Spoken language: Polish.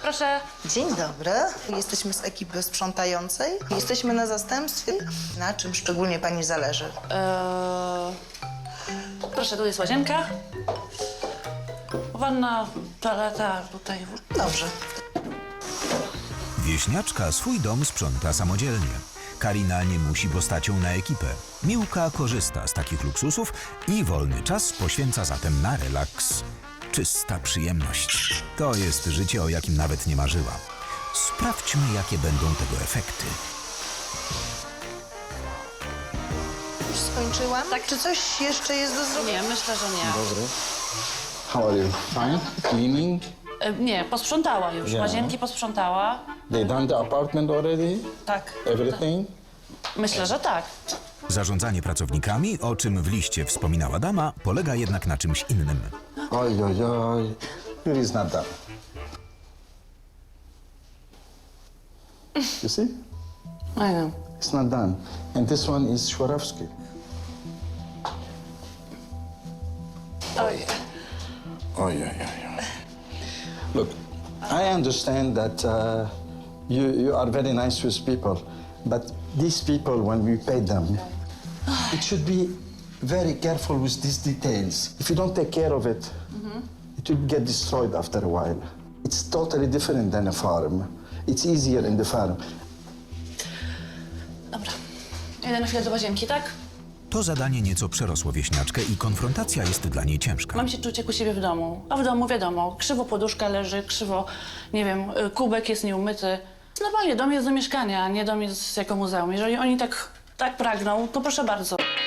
proszę. Dzień dobry. Jesteśmy z ekipy sprzątającej. Jesteśmy na zastępstwie. Na czym szczególnie pani zależy? Proszę, tu jest łazienka. Wanna, toaleta, tutaj. Dobrze. Wieśniaczka swój dom sprząta samodzielnie. Karina nie musi postacią na ekipę. Miłka korzysta z takich luksusów i wolny czas poświęca zatem na relaks. Czysta przyjemność. To jest życie, o jakim nawet nie marzyła. Sprawdźmy, jakie będą tego efekty. Już skończyłam? Tak. Czy coś jeszcze jest do zrobienia? Nie, myślę, że nie. Dobry. How are you? Fine? Cleaning? Nie, posprzątała już. Yeah. Łazienki posprzątała. They done the apartment already? Tak. Everything? Myślę, że tak. Zarządzanie pracownikami, o czym w liście wspominała dama, polega jednak na czymś innym. Oj, oj, oj. It is not done. You see? I know. It's not done. And this one is Swarovski. Oj. Oj, oj, oj. Look, I understand that you are very nice with people, but these people, when we pay them, it should be very careful with these details. If you don't take care of it, it will get destroyed after a while. It's totally different than a farm. It's easier in the farm. Dobra. Jedę na chwilę do łazienki, tak? To zadanie nieco przerosło wieśniaczkę i konfrontacja jest dla niej ciężka. Mam się czuć jak u siebie w domu. A w domu wiadomo, krzywo poduszka leży, krzywo, nie wiem, kubek jest nieumyty. Normalnie, dom jest do mieszkania, a nie dom jest jako muzeum. Jeżeli oni tak pragną, to proszę bardzo.